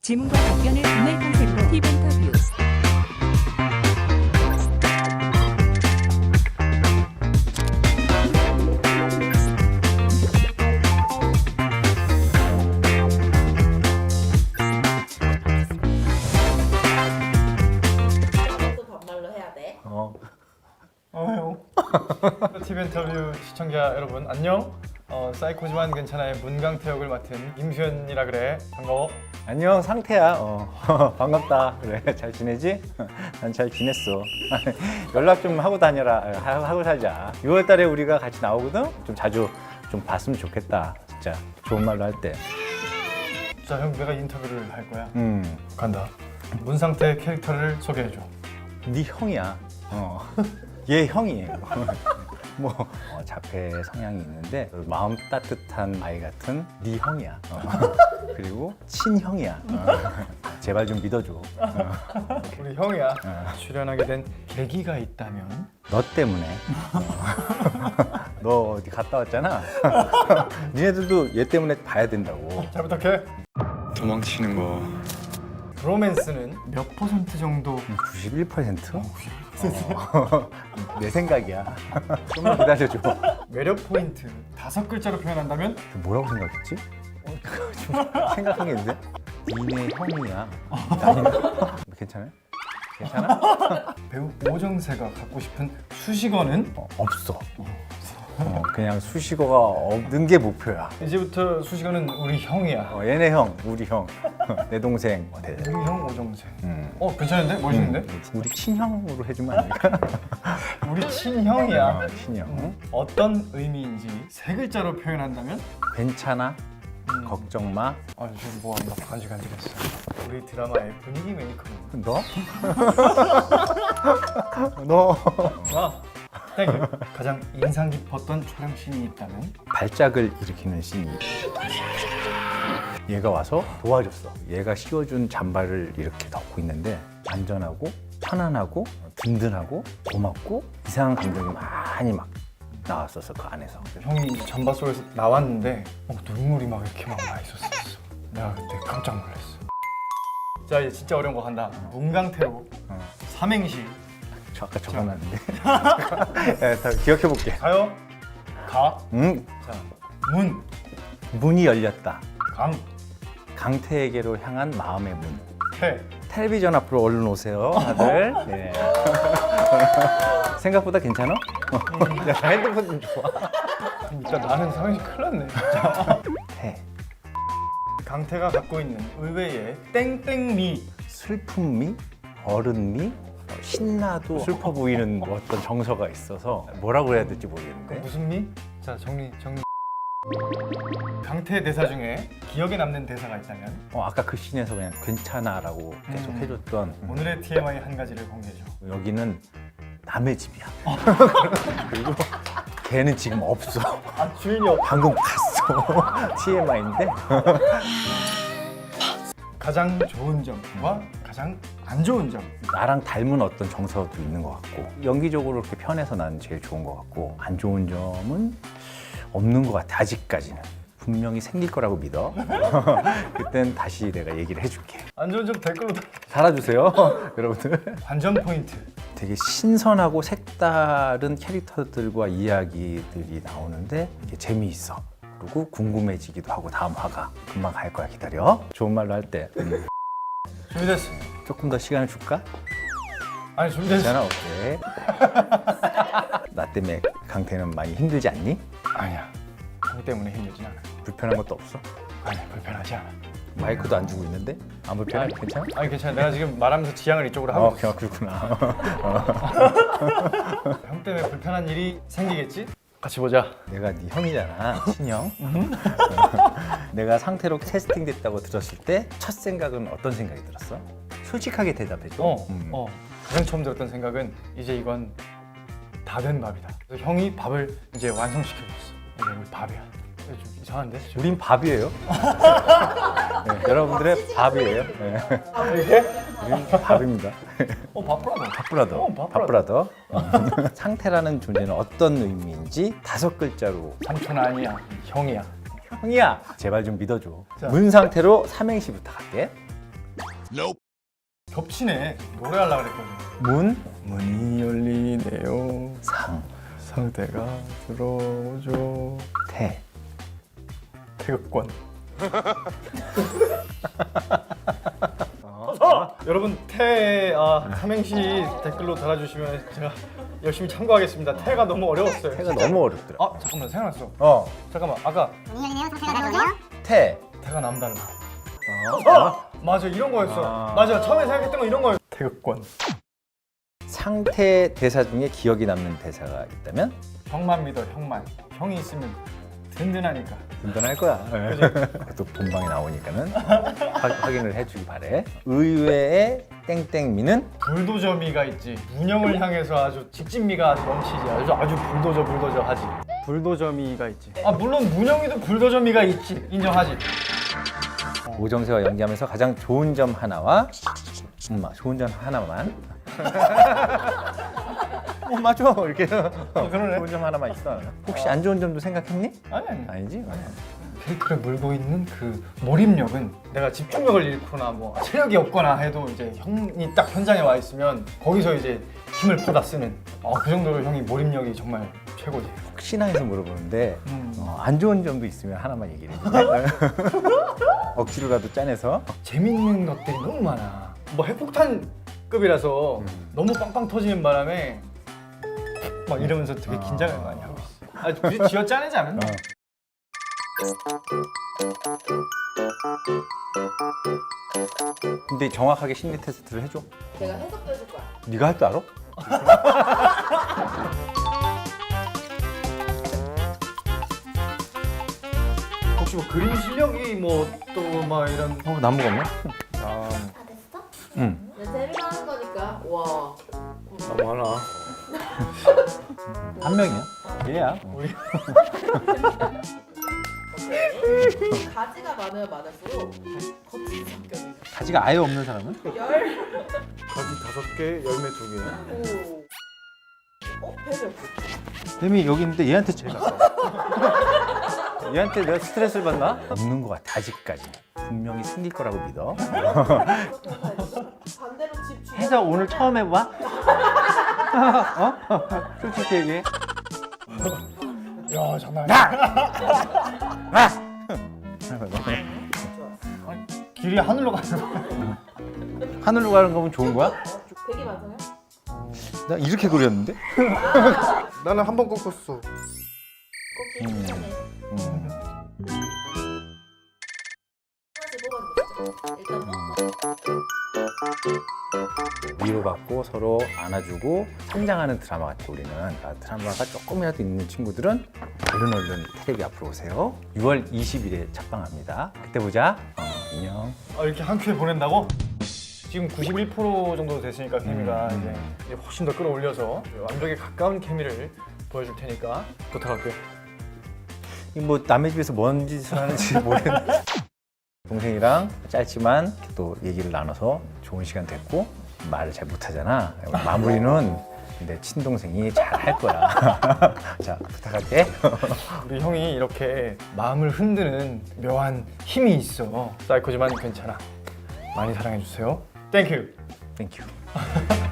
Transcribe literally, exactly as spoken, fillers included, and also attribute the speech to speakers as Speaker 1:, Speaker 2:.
Speaker 1: 질문과 답변을 듣는 컨셉으로 팁 인터뷰.
Speaker 2: 또 반말로 해야 돼.
Speaker 3: 어.
Speaker 4: 어요. 티비 인터뷰 시청자 여러분 안녕. 어, 사이코지만 괜찮아의 문강태 역을 맡은 김수현이라 그래. 반가워.
Speaker 3: 안녕 상태야. 어. 반갑다. 그래 잘 지내지? 난 잘 지냈어. 연락 좀 하고 다녀라. 하- 하고 살자. 유월 달에 우리가 같이 나오거든. 좀 자주 좀 봤으면 좋겠다. 진짜 좋은 말로 할 때.
Speaker 4: 자, 형 내가 인터뷰를 할 거야.
Speaker 3: 음.
Speaker 4: 간다. 문상태 캐릭터를 소개해줘.
Speaker 3: 네 형이야. 어. 얘 형이에요. 뭐 어, 자폐 성향이 있는데 마음 따뜻한 아이 같은 네 형이야. 어. 그리고 친형이야. 어. 제발 좀 믿어줘. 어.
Speaker 4: 우리 형이야.
Speaker 3: 어.
Speaker 4: 출연하게 된 계기가 있다면?
Speaker 3: 너 때문에. 너 어디 갔다 왔잖아. 니네들도 얘 때문에 봐야 된다고.
Speaker 4: 잘 부탁해.
Speaker 5: 도망치는 거
Speaker 4: 로맨스는 몇 퍼센트 정도?
Speaker 3: 구십일 퍼센트? 어. 내 생각이야. 좀만 기다려줘.
Speaker 4: 매력 포인트 다섯 글자로 표현한다면?
Speaker 3: 뭐라고 생각했지? 어, 좀 생각한 게 있는데? 니네 형이야. 나는 괜찮아요? 괜찮아?
Speaker 4: 배우 오정세가 갖고 싶은 수식어는?
Speaker 3: 어, 없어. 어, 그냥 수식어가 없는 게 목표야.
Speaker 4: 이제부터 수식어는 우리 형이야.
Speaker 3: 어, 얘네 형, 우리 형, 내 동생. 어, 네.
Speaker 4: 우리 형 오정세.
Speaker 3: 음.
Speaker 4: 어, 괜찮은데? 멋있는데?
Speaker 3: 음, 우리 친형으로 해주면 안 될까?
Speaker 4: 우리 친형이야.
Speaker 3: 어, 친형.
Speaker 4: 어떤 의미인지 세 글자로 표현한다면?
Speaker 3: 괜찮아?
Speaker 4: 음.
Speaker 3: 걱정 마.
Speaker 4: 아, 지금 뭐 한다 간질간질했어. 우리 드라마의 분위기 메이커.
Speaker 3: 너? 너?
Speaker 4: 와, 땡. 가장 인상 깊었던 촬영 씬이 있다면?
Speaker 3: 발작을 일으키는 씬이. 얘가 와서 도와줬어. 얘가 씌워준 잠바를 이렇게 덮고 있는데 안전하고 편안하고 든든하고 고맙고 이상한 감정이 많이 막 나왔었어 그 안에서.
Speaker 4: 형이 이제 잠바 속에서 나왔는데 어, 눈물이 막 이렇게 막 나 있었어. 내가 그때 깜짝 놀랐어. 자, 이제 진짜 어려운 거 간다. 문강태로
Speaker 3: 어.
Speaker 4: 삼행시
Speaker 3: 저 아까 적어놨는데. 네, 다 기억해볼게.
Speaker 4: 가요. 가.
Speaker 3: 음,
Speaker 4: 자, 문.
Speaker 3: 문이 열렸다.
Speaker 4: 강.
Speaker 3: 강태에게로 향한 마음의 문.
Speaker 4: 태.
Speaker 3: 텔레비전 앞으로 얼른 오세요, 다들. 예. 생각보다 괜찮아? 야, 핸드폰 좀 좋아.
Speaker 4: 진짜 나는 삼행시 큰일 났네. 진짜.
Speaker 3: 태.
Speaker 4: 강태가 갖고 있는 의외의 땡땡미.
Speaker 3: 슬픔미, 어른미, 어, 신나도 슬퍼 보이는 어떤 정서가 있어서 뭐라고 해야 될지 모르겠는데.
Speaker 4: 무슨 미? 자, 정리 정리. 강태 대사 중에 기억에 남는 대사가 있다면?
Speaker 3: 어, 아까 그 씬에서 그냥 괜찮아라고 계속
Speaker 4: 음.
Speaker 3: 해줬던
Speaker 4: 오늘의 티엠아이 한 가지를 공개해줘.
Speaker 3: 여기는 남의 집이야. 그리고 걔는 지금 없어.
Speaker 4: 아, 주인이 없.
Speaker 3: 방금 갔어. 티엠아이인데.
Speaker 4: 가장 좋은 점과 가장 안 좋은 점.
Speaker 3: 나랑 닮은 어떤 정서도 있는 것 같고 연기적으로 그렇게 편해서 난 제일 좋은 것 같고 안 좋은 점은 없는 것 같아 아직까지는. 분명히 생길 거라고 믿어. 그땐 다시 내가 얘기를 해줄게.
Speaker 4: 안 좋은 점 댓글로 다-
Speaker 3: 살아주세요. 여러분들.
Speaker 4: 관전 포인트.
Speaker 3: 되게 신선하고 색다른 캐릭터들과 이야기들이 나오는데 이게 재미있어. 그리고 궁금해지기도 하고 다음 화가 금방 갈 거야. 기다려. 좋은 말로 할 때 음,
Speaker 4: 준비됐어.
Speaker 3: 조금 더 시간을 줄까?
Speaker 4: 아니, 준비됐어.
Speaker 3: 괜찮아. 오케이. 나 때문에 강태는 많이 힘들지 않니?
Speaker 4: 아니야. 형 때문에 힘들진 않아.
Speaker 3: 불편한 것도 없어?
Speaker 4: 아니, 불편하지 않아.
Speaker 3: 마이크도 안 주고 있는데? 안 불편해?
Speaker 4: 아니,
Speaker 3: 괜찮아?
Speaker 4: 아니, 괜찮아. 내가 지금 말하면서 지향을 이쪽으로 하고
Speaker 3: 어,
Speaker 4: 있어.
Speaker 3: 그렇구나.
Speaker 4: 형 때문에 불편한 일이 생기겠지? 같이 보자.
Speaker 3: 내가 네 형이잖아, 친형. 내가 상태로 캐스팅 됐다고 들었을 때 첫 생각은 어떤 생각이 들었어? 솔직하게 대답해줘.
Speaker 4: 어,
Speaker 3: 음.
Speaker 4: 어. 가장 처음 들었던 생각은 이제 이건 다 된 밥이다. 그래서 형이 밥을 이제 완성시켜줬어. 이제 우리 밥이야. 이거 좀 이상한데?
Speaker 3: 우린 밥이에요. 네, 여러분들의 밥이에요. 네.
Speaker 4: 아, 이게?
Speaker 3: 우린 밥입니다.
Speaker 4: 어, 밥브라더.
Speaker 3: 밥브라더.
Speaker 4: 어, 밥브라더.
Speaker 3: 밥브라더. 상태라는 존재는 어떤 의미인지 다섯 글자로.
Speaker 4: 삼촌 아니야. 형이야.
Speaker 3: 형이야, 제발 좀 믿어줘.
Speaker 4: 자.
Speaker 3: 문 상태로 삼행시부터 갈게.
Speaker 4: 겹치네. 노래하려고 그랬거든.
Speaker 3: 문,
Speaker 4: 문이 열리네요.
Speaker 3: 상,
Speaker 4: 상대가 들어오죠.
Speaker 3: 태.
Speaker 4: 태극권. 아, 여러분 태 아, 삼행시 댓글로 달아주시면 제가 열심히 참고하겠습니다. 태가 너무 어려웠어요.
Speaker 3: 태가 너무 어렵더라.
Speaker 4: 아 잠깐만 생각났어.
Speaker 3: 어,
Speaker 4: 잠깐만 아까
Speaker 3: 태.
Speaker 4: 태가 남달라.
Speaker 3: 어,
Speaker 4: 아, 맞아 이런 거였어.
Speaker 3: 아.
Speaker 4: 맞아 처음에 생각했던 거 이런 거였어. 태극권.
Speaker 3: 상태 대사 중에 기억이 남는 대사가 있다면
Speaker 4: 형만 믿어 형만. 형이 있으면 든든하니까.
Speaker 3: 든든할 거야. 또 본방에 나오니까는 확- 확인을 해주기 바래. 의외의 땡땡미는
Speaker 4: 불도저미가 있지. 문영을 향해서 아주 직진미가 아주 넘치지. 아주 아주 불도저 불도저 하지. 불도저미가 있지. 아 물론 문영이도 불도저미가 있지. 인정하지.
Speaker 3: 오정세와 연기하면서 가장 좋은 점 하나와 엄마 좋은 점 하나만. 어 맞아 이렇게.
Speaker 4: 어, 그러네.
Speaker 3: 좋은 점 하나만 있어. 혹시 안 좋은 점도 생각했니?
Speaker 4: 아니 아니.
Speaker 3: 아니지.
Speaker 4: 캐릭터를 물고 있는 그 몰입력은 내가 집중력을 잃거나 뭐 체력이 없거나 해도 이제 형이 딱 현장에 와 있으면 거기서 이제 힘을 퍼다 쓰는 어, 그 정도로 형이 몰입력이 정말 최고지.
Speaker 3: 혹시나 해서 물어보는데
Speaker 4: 음.
Speaker 3: 어, 안 좋은 점도 있으면 하나만 얘기를 해줄래? 억지로라도 짜내서.
Speaker 4: 재밌는 것들이 너무 많아. 뭐 핵폭탄급이라서 너무 빵빵 터지는 바람에 막 이러면서 되게 긴장을 많이 하고 있어. 아 굳이 쥐어 짜내자면 뭐.
Speaker 3: 근데 정확하게 심리 테스트를 해줘.
Speaker 2: 내가 해석도 해줄 거야.
Speaker 3: 네가 할 줄 알아?
Speaker 4: 혹시 뭐 그림 실력이 뭐 또 막 이런
Speaker 3: 어 나무가 없나?
Speaker 4: 아,
Speaker 2: 다 됐어?
Speaker 3: 응.
Speaker 2: 내 재미로 하는 거니까. 와.
Speaker 4: 너무 하나.
Speaker 3: 한 명이야. 얘야.
Speaker 4: 우리
Speaker 2: 오케이. 가지가 많으면 많을수록 거친 성격이.
Speaker 3: 가지가 아예 없는 사람은?
Speaker 2: 열.
Speaker 4: 가지 다섯 개, 열매 두 개.
Speaker 2: 오. 어? 배 몇 개?
Speaker 3: 뱀이 여기 있는데 얘한테 제일 가까워. 얘한테 내가 스트레스를 받나? 없는 것 같아. 아직까지. 분명히 생길 거라고 믿어.
Speaker 2: 반대로 집 주변.
Speaker 3: 해서 오늘 처음 해봐? 어? 솔직히 얘기해.
Speaker 4: 야 장난 아니야. 길이 하늘로 가는 거야.
Speaker 3: 하늘로 가는 거면 좋은 거야?
Speaker 2: 백이 맞아요?
Speaker 3: 나 이렇게 그렸는데?
Speaker 4: 나는 한 번 꺾었어.
Speaker 2: 꺾기
Speaker 3: 음.
Speaker 2: 힘드네.
Speaker 3: 음.
Speaker 2: 하나씩 뽑아주시죠. 일단 뭐.
Speaker 3: 위로받고 서로 안아주고 성장하는 드라마 같아 우리는. 그러니까 드라마가 조금이라도 있는 친구들은 얼른 얼른 텔레비 앞으로 오세요. 유월 이십일에 첫방합니다. 그때 보자. 어, 안녕.
Speaker 4: 아, 이렇게 한 큐에 보낸다고? 지금 구십일 퍼센트 정도 됐으니까 케미가
Speaker 3: 음.
Speaker 4: 이제, 이제 훨씬 더 끌어올려서 완벽에 가까운 케미를 보여줄 테니까 부탁할게.
Speaker 3: 이 뭐 남의 집에서 뭔 짓을 하는지 모르겠는데 동생이랑 짧지만 또 얘기를 나눠서 좋은 시간 됐고 말을 잘 못하잖아. 마무리는 내 친동생이 잘 할 거야. 자 부탁할게.
Speaker 4: 우리 형이 이렇게 마음을 흔드는 묘한 힘이 있어. 사이코지만 괜찮아. 많이 사랑해주세요. 땡큐.
Speaker 3: 땡큐.